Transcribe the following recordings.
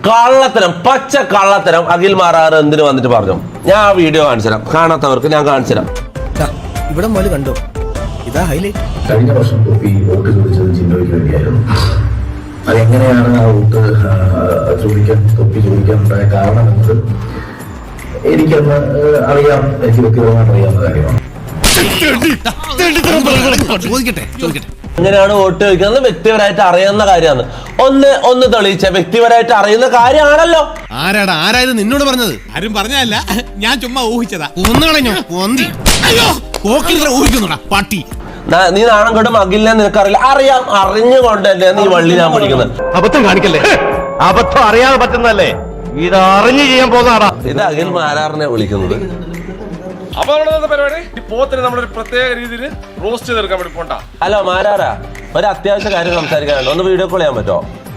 കള്ളത്തരം, പച്ച കള്ളത്തരം അഖിൽ മാരാർ എന്തിനു വന്നിട്ട് പറഞ്ഞു. ഞാൻ ആ വീഡിയോ കാണിച്ചു തരാം, കാണാത്തവർക്ക് ഞാൻ കാണിച്ചു തരാം. ഇവിടെ മോല് കണ്ടോ, ഇതാ ഹൈലൈറ്റ്. കഴിഞ്ഞ വർഷം തൊപ്പി വോട്ട് ചോദിച്ചത് ജിൻഡോയ്ക്ക് വേണ്ടിയായിരുന്നു. അതെങ്ങനെയാണ് ആ വോട്ട് തൊപ്പി ചോദിക്കാനുണ്ടായ കാരണം എന്നത് എനിക്കന്ന് അറിയാം, എനിക്ക് വ്യക്തിപരമായിട്ട് അറിയാവുന്ന കാര്യമാണ്. എങ്ങനെയാണ് വോട്ട് ചോദിക്കുന്നത് വ്യക്തിപരമായിട്ട് അറിയുന്ന കാര്യമാണ്. ഒന്ന് തെളിയിച്ച വ്യക്തിപരമായിട്ട് അറിയുന്ന കാര്യമാണല്ലോ. ആരായത് നിന്നോട് പറഞ്ഞത്? ആരും പറഞ്ഞല്ല, ഞാൻ ചുമ്മാ ഊഹിച്ചതാ. ഊഹിക്കുന്നുടാ പട്ടി. നീ നാണം കെട്ടും അഖിലിനെ നിനക്കറിയില്ല. അറിയാം, അറിഞ്ഞുകൊണ്ടല്ലേ നീ വള്ളി ഞാൻ പഠിക്കുന്നത്. അബദ്ധം കാണിക്കല്ലേ, അബദ്ധം അറിയാതെ പറ്റുന്നല്ലേ, ഇത് അറിഞ്ഞു ചെയ്യാൻ പോകുന്നതാടാ. ഇത് അഖിൽ മാരാറിനെ വിളിക്കുന്നത്. അപ്പൊ നമ്മുടെ പരിപാടി ഈ പോത്തിന് നമ്മളൊരു പ്രത്യേക രീതിയിൽ റോസ്റ്റ് ചെയ്തെടുക്കാൻ വേണ്ടി പോണ്ട. ഹലോ മാരാറാ, ഒരു അത്യാവശ്യ കാര്യം സംസാരിക്കാനുണ്ട്. ഒന്ന് വീഡിയോ കോൾ ചെയ്യാൻ പറ്റുമോ?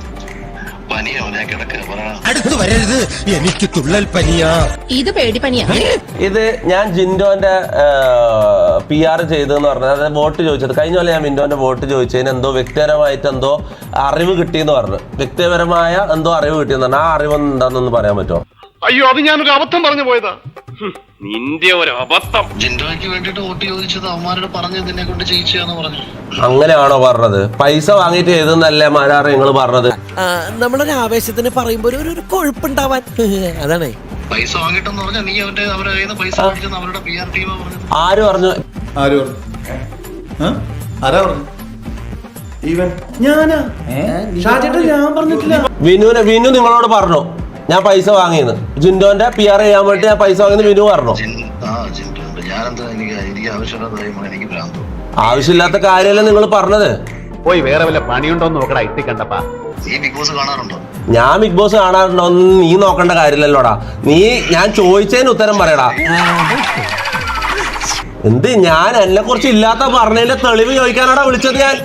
അടുത്ത് വരരുത്, എനിക്ക് തുള്ളൽ പനിയാ. ഇത് പേടിപ്പനിയാ. ഇത് ഞാൻ ജിൻഡോന്റെ PR ചെയ്തെന്ന് പറഞ്ഞത്, അതായത് വോട്ട് ചോദിച്ചത് കഴിഞ്ഞ പോലെ ഞാൻ ജിൻഡോന്റെ വോട്ട് ചോദിച്ചതിന് എന്തോ വ്യക്തിപരമായിട്ട് എന്തോ അറിവ് കിട്ടിയെന്ന് പറഞ്ഞു. വ്യക്തിപരമായ എന്തോ അറിവ് കിട്ടിയെന്ന് പറഞ്ഞു. ആ അറിവ് എന്താണെന്നൊന്ന് പറയാൻ പറ്റുമോ? അയ്യോ, അത് ഞാനൊരു അബദ്ധം പറഞ്ഞു പോയതാ. നിന്റെ ഒരു അബദ്ധം. ജിൻഡോയ്ക്ക് വേണ്ടിട്ട് വോട്ട് ചോദിച്ചത് അവന്മാരോട് പറഞ്ഞതിനെ കൊണ്ട് ജയിച്ചാന്ന് പറഞ്ഞു. അങ്ങനെയാണോ പറഞ്ഞത്? പൈസ വാങ്ങിയിട്ട് ചെയ്തെന്നല്ലേ മാരാറ് നിങ്ങൾ പറഞ്ഞത്? നമ്മളൊരു ആവേശത്തിന് പറയുമ്പോ ഒരു കൊഴുപ്പുണ്ടാവാൻ, അതാണ്. പൈസ വാങ്ങിട്ടെന്ന് പറഞ്ഞാൽ നീ അവരുടെ കയ്യിൽ നിന്ന് പൈസ മേടിച്ചെന്ന് അവരുടെ PR ടീമാ പറഞ്ഞത്. ആര് പറഞ്ഞു? വിനു നിങ്ങളോട് പറഞ്ഞു ഞാൻ പൈസ വാങ്ങിയെന്ന്. ജിൻഡോന്റെ PR ചെയ്യാൻ വേണ്ടി ഞാൻ പൈസ വാങ്ങിയെന്ന് വിനു പറഞ്ഞു. ആവശ്യമില്ലാത്ത കാര്യമല്ല നിങ്ങൾ പറഞ്ഞത്. പോയി വേറെ വല്ല പണിയുണ്ടോന്ന് നോക്കടാ. ഇട്ടിക്കണ്ടപ്പാ, ഞാൻ ബിഗ് ബോസ് കാണാറുണ്ടോ നീ നോക്കേണ്ട കാര്യമില്ലല്ലോടാ. നീ ഞാൻ ചോദിച്ചതിന് ഉത്തരം പറയടാ. എന്ത് ഞാൻ എന്നെ കുറിച്ച് ഇല്ലാത്ത പറഞ്ഞതിന്റെ തെളിവ് ചോദിക്കാനാടാ വിളിച്ചത്. ഞാൻ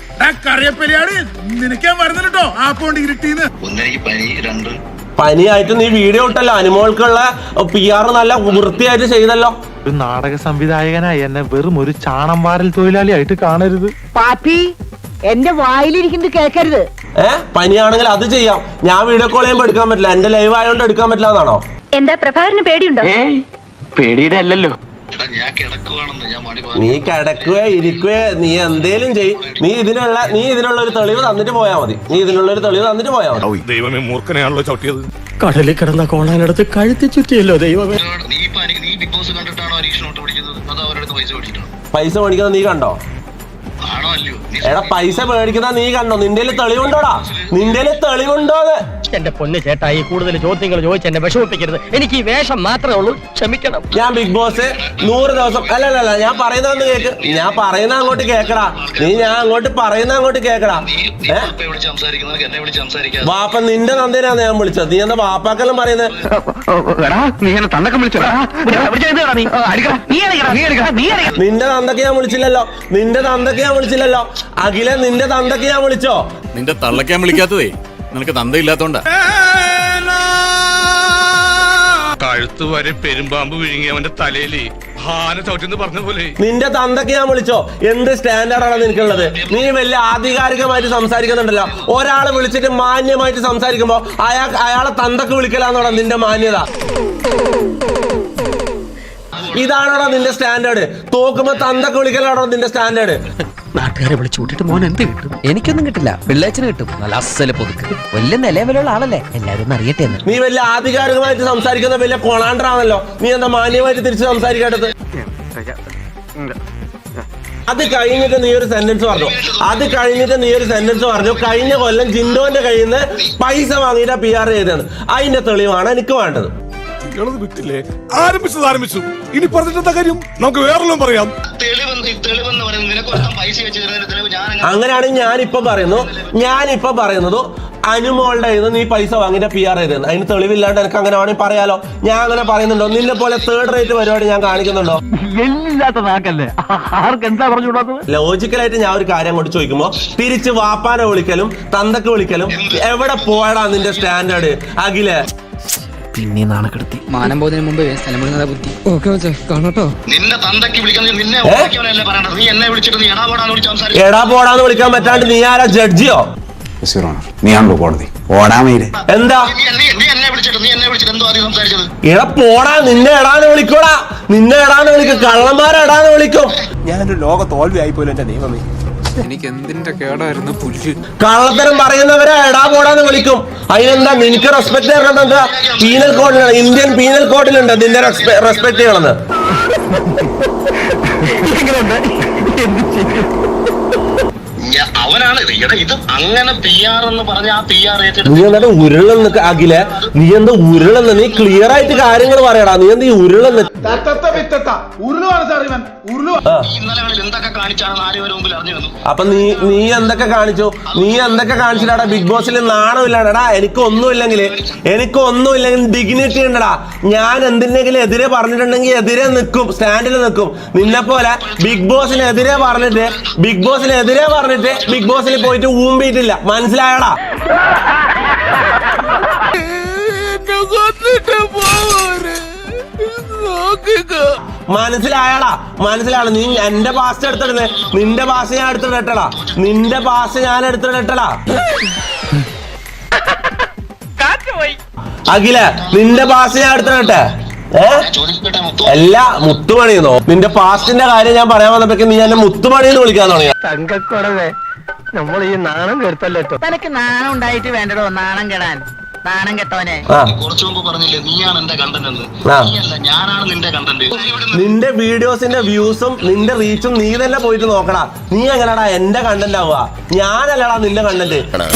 പനിയായിട്ട് നീ വീഡിയോ ഇട്ടല്ലോ, അനുമോൾക്കുള്ള PR നല്ല വൃത്തിയായിട്ട് ചെയ്തല്ലോ. ഒരു നാടക സംവിധായകനായി എന്നെ വെറും ഒരു ചാണം വാരൽ തൊഴിലാളിയായിട്ട് കാണരുത്. പാപ്പി, എന്റെ വായിലിരിക്കുന്നത് കേൾക്കരുത്. പനിയാണെങ്കിൽ അത് ചെയ്യാം. ഞാൻ വീഡിയോ കോൾ ചെയ്യുമ്പോൾ എടുക്കാൻ പറ്റില്ല, എന്റെ ലൈവ് ആയതുകൊണ്ട് എടുക്കാൻ പറ്റില്ല എന്നാണോ? എന്താ പ്രഭാകരന് പേടിയുണ്ടോ? പേടിയുടെ അല്ലല്ലോ. നീ കിടക്കുകയോ ഇരിക്കുകയോ നീ എന്തേലും ചെയ്യും. നീ ഇതിനുള്ള ഒരു തെളിവ് തന്നിട്ട് പോയാ മതി. ദൈവമേ, മൂർഖനെയാണല്ലോ ചവിട്ടിയത്. കടലിൽ കിടന്ന കോണാനടുത്ത് കഴുത്തി ചുറ്റിയല്ലോ ദൈവമേ. പൈസ മേടിക്കുന്നത് നീ കണ്ടോ? എടാ, പൈസ മേടിക്കുന്ന നീ കണ്ടോ? നിന്റെ തെളിവുണ്ടോടാ? നിന്റെ തെളിവുണ്ടോന്ന്? എന്റെ പൊന്ന് ചേട്ടായി, കൂടുതൽ ചോദ്യങ്ങൾ ചോദിച്ച് എന്നെ വിഷമിപ്പിക്കരുത്. എനിക്ക് ഈ വേഷം മാത്രമേ ഉള്ളൂ, ക്ഷമിക്കണം. ഞാൻ ബിഗ് ബോസ് 100 ദിവസം അല്ലല്ല, ഞാൻ പറയുന്ന കേക്ക്. ഞാൻ പറയുന്ന അങ്ങോട്ട് കേക്കടാ. ഞാൻ അങ്ങോട്ട് പറയുന്ന അങ്ങോട്ട് കേക്കടാ. വാപ്പ നിന്റെ നന്ദിനാണ് ഞാൻ വിളിച്ചത്. നീ എന്താ വാപ്പാക്കെല്ലാം പറയുന്നത്? നിന്റെ തന്തക്ക് ഞാൻ വിളിച്ചില്ലല്ലോ. അഖിലെ, നിന്റെ തന്തക്ക് ഞാൻ വിളിച്ചോ? നിന്റെ തള്ളക്കാൻ വിളിക്കാത്തതേ നിനക്ക് തന്തയില്ലാത്തോണ്ടാ. കഴുത്ത് വരെ പെരുമ്പാമ്പ് വിഴുങ്ങി അവന്റെ തലയില് ഹാന ചവിട്ടിന്ന് പറഞ്ഞ പോലെ. നിന്റെ തന്തക്ക് ഞാൻ വിളിച്ചോ? എന്ത് സ്റ്റാൻഡേർഡാണ് നിനക്കുള്ളത്? നീ വലിയ ആധികാരികമായിട്ട് സംസാരിക്കുന്നുണ്ടല്ലോ. ഒരാളെ വിളിച്ചിട്ട് മാന്യമായിട്ട് സംസാരിക്കുമ്പോ അയാളെ തന്തക്ക് വിളിക്കലാന്നോടാ നിന്റെ മാന്യത? ഇതാണോടാ നിന്റെ സ്റ്റാൻഡേർഡ്? തോക്കുമ്പോ തന്തക്ക് വിളിക്കലാണോ നിന്റെ സ്റ്റാൻഡേർഡ്? നാട്ടുകാരെ വിളിച്ചു കൂട്ടിട്ട് മോൻ എന്ത് കിട്ടും? എനിക്കൊന്നും കിട്ടില്ല, പിള്ളേച്ചന് കിട്ടും. നല്ല അസല് പൊതുക്ക്, വലിയ നിലവിലുള്ള ആളല്ലേ, എല്ലാരും ഒന്ന് അറിയട്ടെ എന്ന്. നീ വലിയ ആധികാരികമായിട്ട് സംസാരിക്കുന്ന വലിയ കൊളാണ്ടറാണല്ലോ. നീ എന്താ മാന്യമായിട്ട് തിരിച്ച് സംസാരിക്കേണ്ടത്? അത് കഴിഞ്ഞിട്ട് നീ ഒരു സെന്റൻസ് പറഞ്ഞു. കഴിഞ്ഞ കൊല്ലം ജിൻഡോന്റെ കയ്യിൽ നിന്ന് പൈസ വാങ്ങിയിട്ട് PR ചെയ്തതാണ്. അതിന്റെ തെളിവാണ് എനിക്ക് വേണ്ടത്. വിട്ടില്ലേ? ആരംഭിച്ചു. ഇനി പറഞ്ഞിട്ടെന്താ കാര്യം? നമുക്ക് വേറെല്ലാം പറയാം. അങ്ങനെയാണെങ്കിൽ ഞാനിപ്പോ പറയുന്നത് അനുമോളുടെ കയ്യിൽ നിന്ന് നീ പൈസ വാങ്ങിയിട്ട് PR ചെയ്തത്. അതിന് തെളിവില്ലാണ്ട് എനിക്ക് അങ്ങനെ വേണമെങ്കിൽ പറയാലോ. ഞാൻ അങ്ങനെ പറയുന്നുണ്ടോ? നിന്നെ പോലെ 3rd റേറ്റ് പരിപാടി ഞാൻ കാണിക്കുന്നുണ്ടോ? ലോജിക്കലായിട്ട് ഞാൻ ഒരു കാര്യം കൊണ്ട് ചോദിക്കുമ്പോ തിരിച്ച് വാപ്പാനെ വിളിക്കലും തന്തക്ക് വിളിക്കലും എവിടെ പോയടാ നിന്റെ സ്റ്റാൻഡേർഡ്? അഖിലെ, പിന്നെ നാണക്കെടുത്തി. മാനം പോകുന്നതിന് മുമ്പ് സ്ഥലം വിടുന്നതാ ബുദ്ധി. കാണട്ടോ, നിന്റെ തന്തയ്ക്ക് വിളിക്കുന്നത് നിന്നെ നീ എന്നെ വിളിച്ചിട്ട് നീ എടാ പോടാന്ന് വിളിക്കാൻ പറ്റാണ്ട് നീ ആരാ? ജഡ്ജിയോ? നീയാണല്ലോ കോടതി ഓടാമയില് എന്താ നീ എന്നെ വിളിച്ചിട്ട് എന്തോ ആദ്യം സംസാരിച്ചത്? എടാ പോടാ, നിന്നെ എടാന്ന് വിളിക്കൂടാ, നിന്നെ എടാന്ന് വിളിക്കും, കള്ളന്മാരെ എടാന്ന് വിളിക്കും. ഞാനൊരു ലോക തോൽവിയായി പോലും എന്റെ ദൈവമേ. എനിക്ക് എന്തിന്റെ കേടായിരുന്നു പുല്ല്. കള്ളത്തരം പറയുന്നവരെ എടാ പോടാന്ന് വിളിക്കും. അതിനെന്താ നിനക്ക് റെസ്പെക്ട് ചെയ്യണം? എന്താ പീനൽ കോഡിലാണ്, ഇന്ത്യൻ പീനൽ കോഡിലുണ്ട് നിന്നെ റെസ്പെക്ട് ചെയ്യണമെന്ന്. അവനാണ് ഇത് അങ്ങനെ PR എന്ന് പറഞ്ഞ ആ PR നീ എന്താ ഉരുളെന്ന് അഖിലെ, നീ എന്താ ഉരുളെന്ന്? നീ ക്ലിയർ ആയിട്ട് കാര്യങ്ങൾ പറയടാ. നീ എന്താ ഈ ഉരുളെന്ന്? ഇന്നലകളിൽ എന്തൊക്കെ കാണിച്ചാണ് നാലുപേരുടെ മുമ്പിൽ അറിഞ്ഞു വന്നു. അപ്പൊ നീ എന്തൊക്കെ കാണിച്ചു? നീ എന്തൊക്കെ കാണിച്ചിട്ടാടാ ബിഗ് ബോസിൽ? നാണമില്ലാടാ. എനിക്കൊന്നുമില്ലെങ്കിൽ ഡിഗ്നിറ്റി ഉണ്ടടാ. ഞാൻ എന്തിനെങ്കിലും എതിരെ പറഞ്ഞിട്ടുണ്ടെങ്കിൽ എതിരെ നിൽക്കും, സ്റ്റാൻഡിൽ നിൽക്കും. നിന്നെ പോലെ ബിഗ് ബോസിനെതിരെ പറഞ്ഞിട്ട് ബിഗ് ബോസിൽ പോയിട്ട് ഊമ്പിയിട്ടില്ല. മനസ്സിലായടാ? മനസ്സിലായടാ? നീ എന്റെ പാസ് എടുത്തിടുന്നേ. നിന്റെ പാസ് ഞാൻ എടുത്തിടട്ടടാ. അഖില, നിന്റെ പാസ് ഞാൻ എടുത്തിടട്ടെ. എല്ലാ മുത്തുമണിയെന്നോ? നിന്റെ പാസ്റ്റിന്റെ കാര്യം ഞാൻ പറയാൻ വന്നപ്പോഴേക്കും നീ എന്നെ മുത്തുമണിന്ന് വിളിക്കാൻ തുടങ്ങി. തങ്കക്കുടവേ, നമ്മൾ ഈ നാണം കെടുത്തല്ലോ. തനക്ക് നാണം ഉണ്ടായിട്ട് വേണ്ടടോ നാണം കെടാൻ. നാണം കെട്ടവനെ. കുറച്ചു മുമ്പ് പറഞ്ഞില്ലേ നീയാണ് എന്റെ കണ്ടന്റ് എന്ന്? നീയല്ല, ഞാനാണ് നിന്റെ കണ്ടന്റ്. നിന്റെ വീഡിയോസിന്റെ വ്യൂസും നിന്റെ റീച്ചും നീ തന്നെ പോയിട്ട് നോക്കടാ. നീ എങ്ങനെയാടാ എന്റെ കണ്ടന്റ് ആവുക? ഞാനല്ലടാ നിന്റെ കണ്ടന്റ്.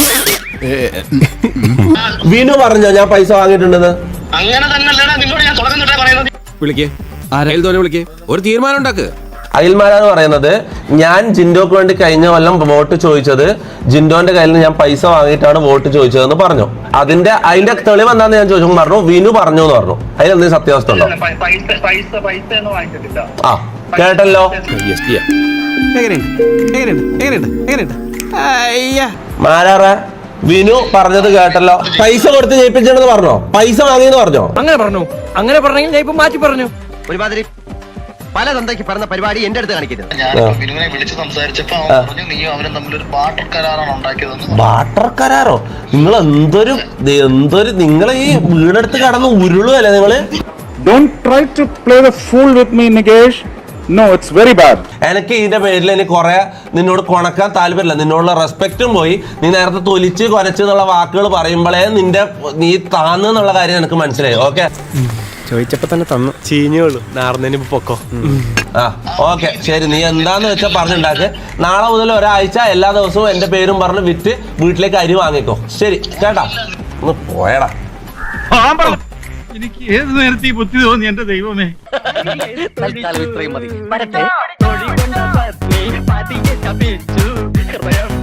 വിനു പറഞ്ഞോ ഞാൻ പൈസ വാങ്ങിയിട്ടുണ്ടെന്ന്? അങ്ങനെ തന്നെയല്ലടാ നിന്നോട് ഞാൻ തുടങ്ങുന്നിട്ടേ പറയുന്നത്. വിളിക്കേ ഒരു തീരുമാനം ഉണ്ടാക്ക്. അഖിൽമാരാന്ന് പറയുന്നത്, ഞാൻ ജിൻഡോക്ക് വേണ്ടി കഴിഞ്ഞ കൊല്ലം വോട്ട് ചോദിച്ചത് ജിൻഡോന്റെ കയ്യിൽ നിന്ന് ഞാൻ പൈസ വാങ്ങിയിട്ടാണ് വോട്ട് ചോദിച്ചതെന്ന് പറഞ്ഞു. അതിന്റെ തെളിവ് എന്താന്ന് ഞാൻ ചോദിച്ചു, പറഞ്ഞു വിനു പറഞ്ഞു എന്ന് പറഞ്ഞു. അതിലെന്തെങ്കിലും സത്യാവസ്ഥ ഉണ്ടോ? ആ കേട്ടല്ലോ. മാരാറ വിനു പറഞ്ഞത് കേട്ടല്ലോ. പൈസ കൊടുത്ത് ജയിപ്പിച്ചെന്ന് പറഞ്ഞോ? പൈസ വാങ്ങിയെന്ന് പറഞ്ഞോ? അങ്ങനെ പറഞ്ഞെങ്കിൽ ഞാൻ ഇപ്പൊ മാറ്റി പറഞ്ഞു. ഒരുമാതിരി പല തന്തയ്ക്ക് പറഞ്ഞ പരിപാടി എന്റെ അടുത്ത് കാണിക്കരുത്. ഞാൻ വിനുവിനെ വിളിച്ച് സംസാരിച്ചപ്പോ അവൻ പറഞ്ഞു നീയും അവനും തമ്മിലൊരു ബാർട്ടർ കരാറാണ് ഉണ്ടാക്കിയതെന്ന്. ബാർട്ടർ കരാറോ? നിങ്ങൾ എന്തൊരു നിങ്ങൾ ഈ വീടെടുത്ത് കടന്ന് ഉരുളുവല്ലേ നിങ്ങള്? എനിക്ക് ഇതിന്റെ പേരിൽ എനിക്ക് കുറെ നിന്നോട് കൊണക്കാൻ താല്പര്യമില്ല. നിന്നോടുള്ള റെസ്പെക്റ്റും പോയി. നീ നേരത്തെ തൊലിച്ച് കൊരച്ച് എന്നുള്ള വാക്കുകൾ പറയുമ്പോഴേ നീ താന്നുള്ള കാര്യം എനിക്ക് മനസ്സിലായി. ഓക്കെ, ചോദിച്ചപ്പോ തന്നെ തന്നു. ചീഞ്ഞോളൂ, നാർന്നതിന് പൊക്കോ. ആ ഓക്കെ ശരി. നീ എന്താന്ന് വെച്ചാൽ പറഞ്ഞുണ്ടാക്ക്. നാളെ മുതൽ ഒരാഴ്ച എല്ലാ ദിവസവും എന്റെ പേരും പറഞ്ഞ് വിറ്റ് വീട്ടിലേക്ക് അരി വാങ്ങിക്കോ. ശരി കേട്ടാ? ഒന്ന് പോയടാ. എനിക്ക് ഏത് നേരത്തെ ഈ ബുദ്ധി തോന്നി എന്റെ ദൈവമേ. ഇത്രയും മതി.